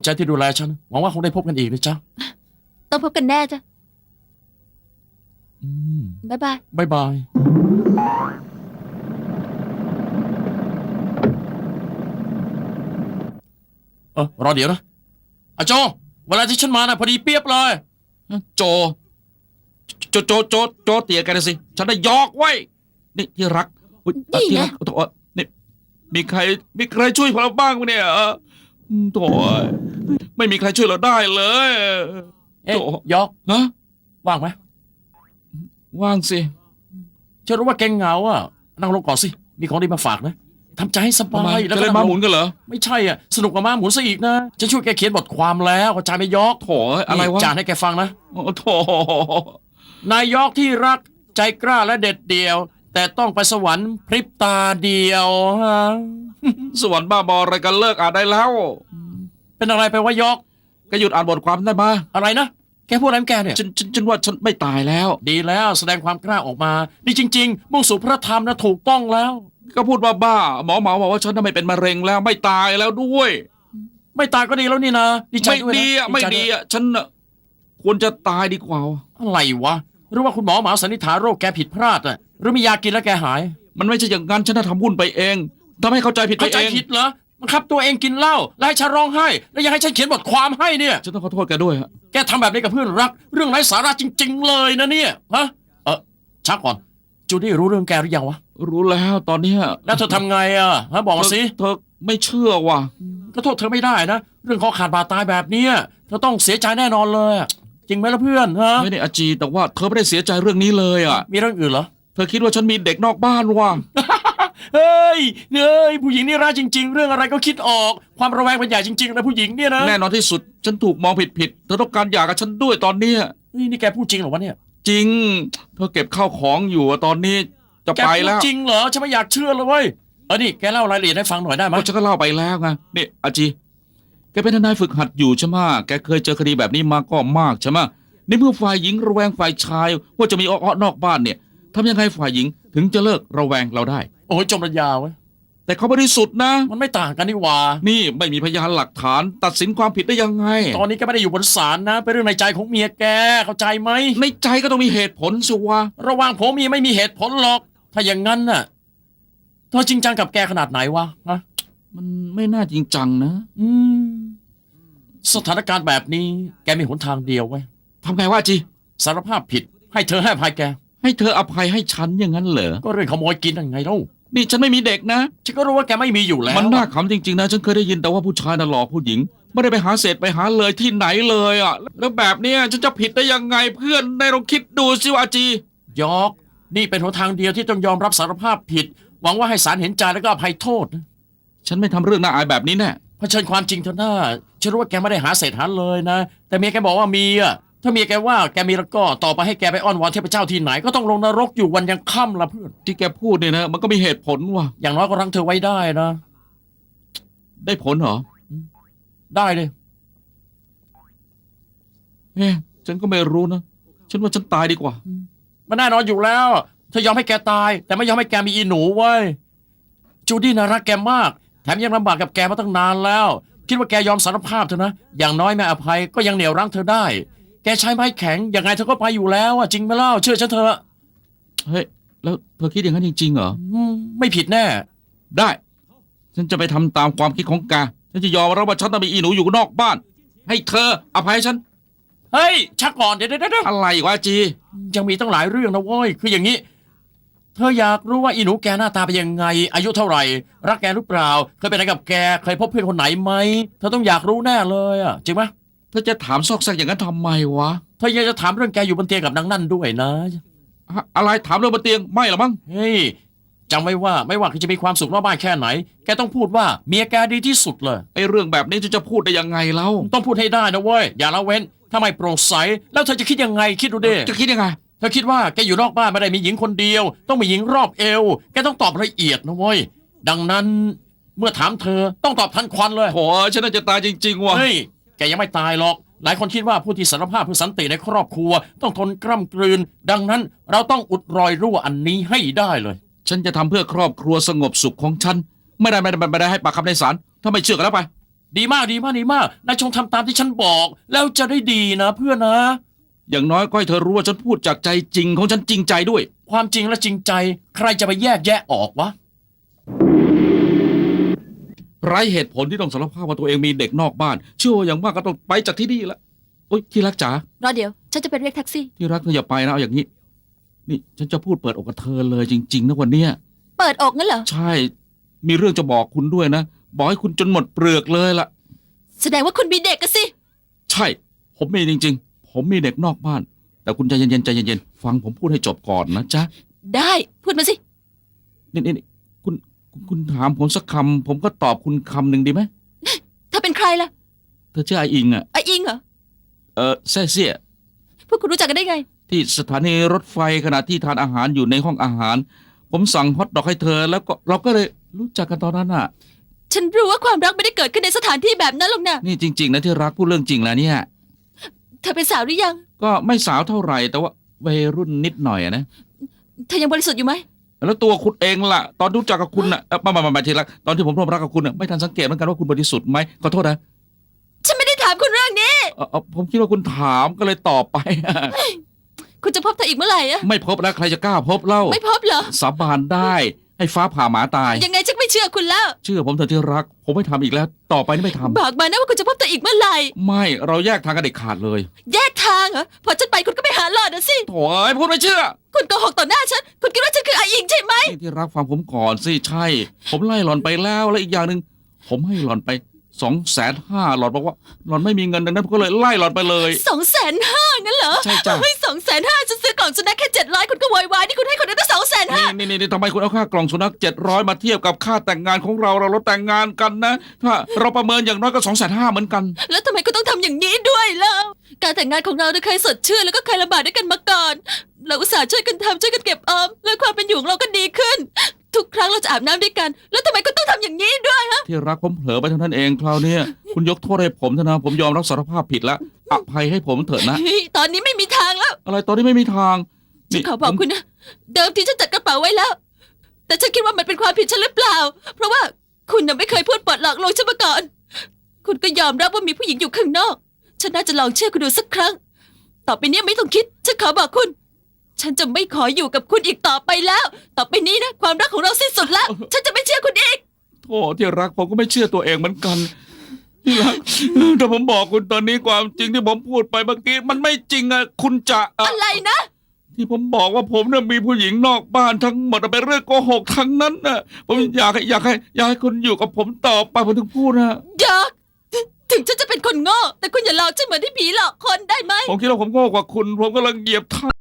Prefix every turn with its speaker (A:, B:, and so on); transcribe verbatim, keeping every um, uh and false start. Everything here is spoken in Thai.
A: ใจที่ดูแลฉันหวังว่าคงได้พบกันอีกนะจ๊ะ
B: ต้องพบกันแน่จ้ะ
A: อืม
B: บ๊ายบาย
A: บายบายเออรอเดี๋ยวนะอาโจเวลาที่ฉันมานะพอดีเปียบเลย
C: โจโจโจโจโจเตียกันนะสิฉันได้ยอกไว้นี่ที่รักอุ๊ยเอ่อที่รักโถ่นี่มีใครมีใครช่วยเราบ้างไหมเนี่ยโถ่ไม่มีใครช่วยเราได้เลย
A: เอ๊ะ
C: โจ
A: ยอก
C: ฮะ
A: ว่างไหม
C: ว่างสิ
A: ฉันรู้ว่าแกเหงาอ่ะนั่งลงก่อนสิมีของดีมาฝากนะทำใจให้ส
C: ทำ
A: บา
C: ไม
A: ยแล้ว
C: จะ
A: ก็
C: เล่นม้าหมุนกันเหรอ
A: ไม่ใช่อ่ะสนุกกับม้าหมุนซะอีกนะจะช่วยแกเขียนบทความแล้วเข้าใจไหมยอก
C: โถ่อะไรวะ
A: จานให้แกฟังนะ
C: โอ้โถ่
A: นายยอกที่รักใจกล้าและเด็ดเดี่ยว แต่ต้องไปสวรรค์พริบตาเดียวฮะ
C: สวรรค์บ้าบออะไรกันเลิกอ่านได้แล้ว
A: เป็นอะไรไปวะยอก
C: ก็หยุดอ่านบทความได้มา
A: อะไรนะแกพูดอะไรของแกเนี่ย
C: ฉันฉันฉันว่าฉันไม่ตายแล้ว
A: ดีแล้วแสดงความกล้าออกมานี่จริง ๆ มุ่งสู่พระธรรมนะถูกต้องแล้ว
C: ก็พูดว่าบ้าหมอหมอบอกว่าฉันน่ะไม่เป็นมะเร็งแล้วไม่ตายแล้วด้วย
A: ไม่ตายก็ดีแล้วนี่นะดีใจ
C: ไม่
A: ด้วยนะ
C: ดีอ่ะ
A: ใจ
C: ไม่
A: วย
C: ดีอ่ะฉันน่ะควรจะตายดีกว่า
A: อะไรวะหรือว่าคุณหมอหมาสันนิษฐานโรคแกผิดพลาดอ่ะหรือมียากินแล้วแกหาย
C: มันไม่ใช่อย่างนั้นฉันน่ะทำวุ่นไปเองทำให้เข้าใจผิดไป
A: เข้าใจ
C: เอง
A: ผิดเหรอบังคับตัวเองกินเหล้าแล้วให้ฉันร้องไห้แล้วยังให้ฉันเขียนบทความให้เนี่ย
C: ฉันต้องขอโทษแกด้วยฮะ
A: แกทำแบบนี้กับเพื่อนรัก เรื่องไร้สาระจริง ๆ เลยนะเนี่ยฮะเออชักก่อนจูดี้รู้เรื่องแกหรือยังวะ
C: รู้แล้วตอนเนี้ย
A: แล้วเธอทำไงอ่ะฮะบอกมาสิ
C: เธอไม่เชื่อว่ะ
A: ก็โทษเธอไม่ได้นะเรื่องคอขาดบาดตายแบบเนี้ยเธอต้องเสียใจแน่นอนเลยอะจริงไหมล่ะเพื่อนฮะ
C: ไม่ได้อาจีแต่ว่าเธอไม่ได้เสียใจเรื่องนี้เลยอ่ะ
A: มีเรื่องอื่นเหรอ
C: เธอคิดว่าฉันมีเด็กนอกบ้านว่ะ
A: เฮ้ยเฮ้ยผู้หญิงนี่ร้ายจริง ๆ เรื่องอะไรก็คิดออกความระแวงเป็นใหญ่จริงๆนะผู้หญิงเนี่ยนะ
C: แน่นอนที่สุดฉันถูกมองผิดผิดๆเธอต้องการหย่ากับฉันด้วยตอนเนี้ย
A: เฮ้ยนี่แกพูดจริงเหรอวะเนี่ย
C: จริง เธอเก็บข้าวของอยู่อะตอนนี้จะ
A: แก
C: ไป
A: พูด
C: แล้ว
A: จริงเหรอฉันไม่อยากเชื่อเลยเว้ยเออนี่แกเล่ารายละเอียดให้ฟังหน่อยได้ไหม
C: ก็ฉันก็เล่าไปแล้วไงนี่อาจีแกเป็นทนายฝึกหัดอยู่ใช่ไหมแกเคยเจอคดีแบบนี้มาก็มากใช่ไหมในเมื่อฝ่ายหญิงระแวงฝ่ายชายว่าจะมีอ้อๆนอกบ้านเนี่ยทำยังไงฝ่ายหญิงถึงจะเลิกระแวงเราได้
A: โอ้ยจมระยาเว้ย
C: แต่เขาบริสุทธิ์นะ
A: มันไม่ต่างกันนี่หว่า
C: นี่ไม่มีพยานหลักฐานตัดสินความผิดได้ยังไง
A: ตอนนี้ก็ไม่ได้อยู่บนศาลนะเป็นเรื่องในใจของเมียแกเข้าใจไหม
C: ในใจก็ต้องมีเหตุผลสิวะ
A: ระหว่างผมเมียไม่มีเหตุผลหรอก ถ้าอย่างนั้นน่ะเธอจริงจังกับแกขนาดไหนวะฮะ
C: มันไม่น่าจริงจังนะ
A: อืมสถานการณ์แบบนี้แกมีหนทางเดียวไว้ย
C: ทำไงวะอาจี
A: สารภาพผิด ให้เธอให้อภัยแก
C: ให้เธออภัยให้ฉันอย่างนั้นเหรอ
A: ก็เรื่องขโมยกินยังไงเล่า
C: นี่ฉันไม่มีเด็กนะ
A: ฉันก็รู้ว่าแกไม่มีอยู่แล้ว
C: มันน่าขำจริงๆนะฉันเคยได้ยินแต่ว่าผู้ชายน่ะหลอกผู้หญิง ไม่ได้ไปหาเศษไปหาเลยที่ไหนเลยอ่ะแล้วแบบเนี้ยฉันจะผิดได้ยังไงเพื่อนในลองคิดดูสิวะอาจี
A: ยอก นี่เป็นหนทางเดียวที่ต้องยอมรับสารภาพผิด หวังว่าให้ศาลเห็นใจแล้วก็อภัยโทษนะ
C: ฉันไม่ทำเรื่องน่าอายแบบนี้แน่
A: เผชิญความจริงเถอะหน้าฉันรู้ว่าแกไม่ได้หาเศษหาเลยนะ แต่เมียแกบอกว่ามีอ่ะ ถ้าเมียแกว่าแกมีแล้วก็ต่อไปให้แกไปอ้อนวอนเทพเจ้าที่ไหน ก็ต้องลงนรกอยู่วันยังค่ำละเพื่อน
C: ที่แกพูดเนี่ยนะมันก็มีเหตุผลว่ะ
A: อย่างน้อยก็รั้งเธอไว้ได้นะ
C: ได้ผลเหรอ
A: ได้เลย
C: เอ๊ะฉันก็ไม่รู้นะฉันว่าฉันตายดีกว่า
A: มันแน่นอนอยู่แล้วเธอยอมให้แกตาย แต่ไม่ยอมให้แกมีอีหนูเว้ยจูดี้น่ารักแกมาก แถมยังลำบากกับแกมาตั้งนานแล้ว คิดว่าแกยอมสารภาพเถอะนะ อย่างน้อยแม่อภัยก็ยังเหนี่ยวรั้งเธอได้ แกใช้ไม้แข็งยังไงเธอก็ไปอยู่แล้วอะจริงไหมเล่าเชื่อฉันเถอะ
C: เฮ้ยแล้วเธอคิดอย่างนั้นจริงๆเหรอ
A: อืมไม่ผิดแน่
C: ได้ ฉันจะไปทำตามความคิดของแกฉันจะยอมรับว่าฉันต้องมีอีหนูอยู่นอกบ้าน ให้เธออภัยให้ฉัน
A: เฮ้ยชักก่อนเดี๋ยวเดี๋ยวเดี๋ยว
C: อะไรวะอาจี
A: ยังมีตั้งหลายเรื่องนะเว้ยคืออย่างนี้ เธออยากรู้ว่าอีหนูแกหน้าตาเป็นยังไง อายุเท่าไหร่ รักแกหรือเปล่า เคยไปไหนกับแกเคยพบเพื่อนคนไหนไหมเธอต้องอยากรู้แน่เลยอะจริงไหม
C: เธอจะถามซอกแซกอย่างนั้นทำไมวะ
A: เธอยังจะถามเรื่องแกอยู่บนเตียงกับนางนั่นด้วยนะ
C: อะอะไรถามเรื่องบนเตียงไม่หรอมั้ง
A: เฮ้ยจำไว้ว่าไม่ว่าจะมีความสุขนอกบ้านแค่ไหน แกต้องพูดว่าเมียแกดีที่สุดเลย
C: ไอ้เรื่องแบบนี้จะจะพูดได้ยังไงเล่า
A: ต้องพูดให้ได้นะเว้ยอย่าละเว้นถ้าไม่โปร่งใสแล้วเธอจะคิดยังไงคิดดูดิ
C: จะคิดยังไง
A: เธอคิดว่าแกอยู่นอกบ้านไม่ได้มีหญิงคนเดียว ต้องมีหญิงรอบเอวแกต้องตอบละเอียดนะเว้ยดังนั้นเมื่อถามเธอต้องตอบทันควันเลย
C: โหฉันน่าจะตายจริงๆว่ะ
A: เฮ้ยแกยังไม่ตายหรอก หลายคนคิดว่าผู้ที่สารภาพเพื่อสันติในครอบครัว ต้องทนกล้ำกลืน ดังนั้นเราต้องอุดรอยรั่วอันนี้ให้ได้เลย
C: ฉันจะทำเพื่อครอบครัวสงบสุขของฉัน ไม่ได้ไม่ได้ไม่ได้ให้ปากคำในศาลถ้าไม่เชื่อกันแล้วไป
A: ดีมากดีมากดีมากนายจงทำตามที่ฉันบอก แล้วจะได้ดีนะเพื่อนนะ
C: อย่างน้อยก็ให้เธอรู้ว่าฉันพูดจากใจจริงของฉันจริงใจด้วย
A: ความจริงและจริงใจ ใครจะไปแยกแยะออกวะ
C: ไร้เหตุผลที่ต้องสารภาพว่าตัวเองมีเด็กนอกบ้าน เชื่อว่าอย่างมากก็ต้องไปจากที่นี่ละโอ๊ยที่รักจ๋าร
B: อเดี๋ยว ฉันจะไปเรียกแท็กซี่
C: ที่รักเธออย่าไปนะเอาอย่างนี้ นี่ฉันจะพูดเปิดอกกับเธอเลยจริงๆนะวันเนี้ย
B: เปิดอกงั้นเหรอ
C: ใช่ มีเรื่องจะบอกคุณด้วยนะ บอกให้คุณจนหมดเปลือกเลยล่ะ
B: แสดงว่าคุณมีเด็กกันสิ
C: ใช่ ผมมีจริง ๆ ผมมีเด็กนอกบ้าน แต่คุณใจเย็นๆใจเย็นๆฟังผมพูดให้จบก่อนนะจ๊ะ
B: ได้ พูดมาสิ
C: นี่นี่นี่คุณคุณคุณถามผมสักคำผมก็ตอบคุณคำหนึ่งดีไหม
B: ถ้าเป็นใครล่ะ
C: เธอชื่อไออิงอ่ะ
B: ไออิงเหรอ
C: เออแซ่เซี่ย
B: พวกคุณรู้จักกันได้ไง
C: ที่สถานีรถไฟขณะที่ทานอาหารอยู่ในห้องอาหาร ผมสั่งฮอทดอกให้เธอ แล้วก็เราก็เลยรู้จักกันตอนนั้นอ่ะ
B: ฉันรู้ว่าความรักไม่ได้เกิดขึ้นในสถานที่แบบนั้นหรอกนะ
C: นี่จริง ๆ นะที่รักพูดเรื่องจริงแล้วเนี่ย
B: เธอเป็นสาวหรือยัง
C: ก็ไม่สาวเท่าไหร่แต่ว่าวัยรุ่นนิดหน่อยอะนะ
B: เธอยังบริสุทธิ์อยู่ไหม
C: แล้วตัวคุณเองล่ะ ตอนรู้จักกับคุณน่ะเอ่อไมามามาทีละตอนที่ผมร่วมรักกับคุณน่ะไม่ทันสังเกตเหมือนกันว่าคุณบริสุทธิ์ไหมขอโทษนะ
B: ฉันไม่ได้ถามคุณเรื่องนี้
C: เอ่อเอ่อผมคิดว่าคุณถามก็เลยตอบไป
B: คุณจะพบเธออีกเมื่อไหร่อะ
C: ไม่พบแล้วใครจะกล้าพบเล่า
B: ไม่พบเหรอ
C: สาบานได้ให้ฟ้าผ่าหมาตาย
B: ยังไงฉันไม่เชื่อคุณแล้ว
C: เชื่อผมเถอะที่รัก ผมไม่ทำอีกแล้ว ต่อไปนี่ไม่ทำ
B: บอกมานะว่าคุณจะพบเธออีกเมื่อไหร่
C: ไม่เราแยกทางกันเด็ดขาดเลย
B: แยกทางเหรอ พอฉันไปคุณก็ไปหาหลอดนะสิ
C: โถ่เอ้ยพูดไม่เชื่อ
B: คุณโกหกต่อหน้าฉัน คุณคิดว่าฉันคือไออิงใช่ไหม
C: นี่ที่รักฟังผมก่อนสิใช่ ผมไล่หลอนไปแล้วและอีกอย่างหนึ่งผมให้หลอนไปสองแสนห้าหลอนบอกว่าหลอนไม่มีเงินดังนั้นผมก็เลยไล่หลอนไปเลย
B: สองแสนห้างั้นเหรอ
C: ใช่จ้ะ
B: เฮ้ยสองแสนห้าฉันซื้อกล่องสุนัขแค่เจ็ดร้อยคุณก็โวยวายนี่คุณให้คนอื่นตั้งสองแสนห้า
C: นี่นี่นี่ทำไมคุณเอาค่ากล่องสุนัขเจ็ดร้อยมาเทียบกับค่าแต่งงานของเราเราเราแต่งงานกันนะ ถ้าเราประเมินอย่างน้อยก็สองแสนห้าเหมือนกัน
B: แล้วทำไมคุณต้องทำอย่างนี้ด้วยล่ะ การแต่งงานของเราเนี่ยเคยสดชื่นแล้วก็เคยลำบากด้วยกันมาก่อน เราอุตส่าห์ช่วยกันทำช่วยกันเก็บออม แล้วความเป็นอยู่ของเราก็ดีขึ้น ทุกครั้งเราจะอาบน้ำด้วยกัน แล้วทำไมคุณต้องทำอย่างนี้ด้วยฮะ
C: ที่รักผมเผลอไปเท่านั้นเองคราวเนี้ยคุณยกโทษให้ผมเถอะนะผมยอมรับสารภาพผิดแล้วอภัยให้ผมเถอะนะ
B: เฮ้ยตอนนี้ไม่มีทางแล้ว
C: อะไรตอนนี้ไม่มีทาง
B: ฉันขอบอก
C: ผม
B: คุณนะ เดิมทีฉันจัดกระเป๋าไว้แล้ว แต่ฉันคิดว่ามันเป็นความผิดฉันหรือเปล่า เพราะว่าคุณน่ะไม่เคยพูดปลดหลอกลวงฉันมาก่อน คุณก็ยอมรับว่ามีผู้หญิงอยู่ข้างนอก ฉันน่าจะลองเชื่อคุณดูสักครั้ง ต่อไปนี้ไม่ต้องคิด ฉันขอบอกคุณ ฉันจะไม่ขออยู่กับคุณอีกต่อไปแล้ว ต่อไปนี้นะความรักของเราสิ้นสุดแล้ว ฉันจะไม่เชื่อคุณอีก
C: โธ่ที่รักผมก็ไม่เชื่อตัวเองเหมือนกันที่รักถ้าผมบอกคุณตอนนี้ความจริงที่ผมพูดไปเมื่อกี้มันไม่จริงอะคุณจะอะ
B: อะไรนะ
C: ที่ผมบอกว่าผมเนี่ยมีผู้หญิงนอกบ้านทั้งหมดเป็นเรื่องโกหกทั้งนั้นน่ะผมอยากให้อยากให้อยากให้คุณอยู่กับผมต่อไปผมถึงพูดนะ
B: อยาก ถึงฉันจะเป็นคนโง่ แต่คุณอย่าหลอกฉันเหมือนที่ผีหลอกคนได้ไหม
C: ผมคิดว่าผมโง่กว่าคุณ ผมกำลังเหยียบเท้า